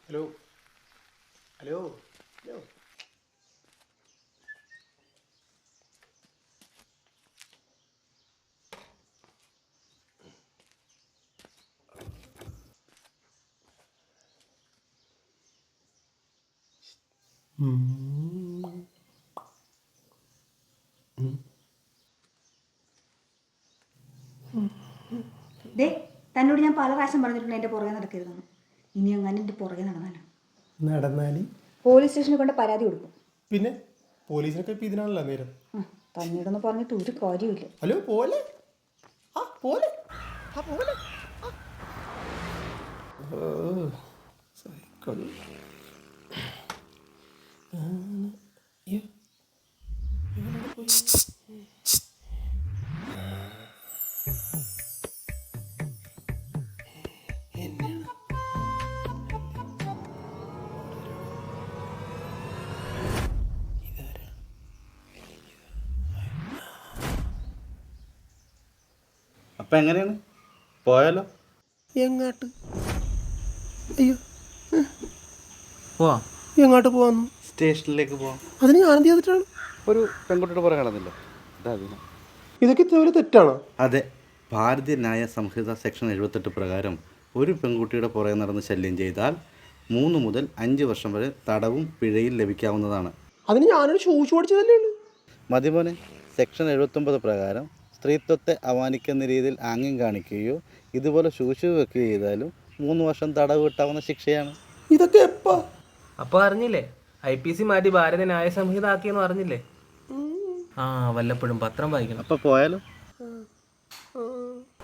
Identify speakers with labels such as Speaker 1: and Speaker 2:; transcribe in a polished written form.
Speaker 1: Hello hello hello.
Speaker 2: ദേ, തന്നോട് ഞാൻ പല പ്രാവശ്യം പറഞ്ഞിട്ടുണ്ട് എൻ്റെ പുറകെ നടക്കരുതെന്ന്. ഇനി അങ്ങനെ എൻ്റെ പുറകെ നടന്നാലോ?
Speaker 1: നടന്നാല്
Speaker 2: പോലീസ് സ്റ്റേഷനിൽ കൊണ്ട് പരാതി കൊടുക്കും.
Speaker 1: പിന്നെ പോലീസിനൊക്കെ ഇപ്പം ഇതിനാണല്ലോ നേരം.
Speaker 2: തന്നോടൊന്ന് പറഞ്ഞിട്ട് ഒരു കാര്യമില്ല.
Speaker 1: ഹലോ പോലെ ആ പോലെ ആ പോലെ സൈക്കിൾ.
Speaker 3: അപ്പം എങ്ങനെയാണ് പോയാലോ?
Speaker 1: എങ്ങാട്ട്? അയ്യോ,
Speaker 3: പോവാം.
Speaker 1: എങ്ങോട്ട് പോവാന്നു?
Speaker 3: സ്റ്റേഷനിലേക്ക് പോവാം.
Speaker 1: അതിന് ഞാൻ എന്ത് ചെയ്തിട്ടാണ്?
Speaker 3: ഒരു പെൺകുട്ടിയുടെ പുറകെ നടന്നില്ല.
Speaker 1: ഇതൊക്കെ ഇത്ര വലിയ തെറ്റാണോ?
Speaker 3: അതെ, ഭാരതീയ ന്യായ സംഹിത സെക്ഷൻ 78 പ്രകാരം ഒരു പെൺകുട്ടിയുടെ പുറകെ നടന്ന് ശല്യം ചെയ്താൽ 3 മുതൽ 5 വർഷം വരെ തടവും പിഴയും ലഭിക്കാവുന്നതാണ്.
Speaker 1: അതിന് ഞാനൊരു ഷൂസ് ഓടിച്ചതല്ലേ ഉള്ളൂ.
Speaker 3: മതിമോനെ, സെക്ഷൻ 79 പ്രകാരം സ്ത്രീത്വത്തെ അപമാനിക്കുന്ന രീതിയിൽ ആംഗ്യം കാണിക്കുകയോ ഇതുപോലെ ശൂശു വെക്കുകയോ ചെയ്താലും 3 വർഷം തടവ് കിട്ടാവുന്ന ശിക്ഷയാണ്.
Speaker 1: ഇതൊക്കെ എപ്പാ?
Speaker 4: അപ്പോൾ അറിഞ്ഞില്ലേ, IPC മാറ്റി ഭാരത ന്യായ സംഹിത ആക്കിയെന്ന് അറിഞ്ഞില്ലേ? വല്ലപ്പോഴും പത്രം വായിക്കണം.
Speaker 3: അപ്പോൾ പോയാലോ?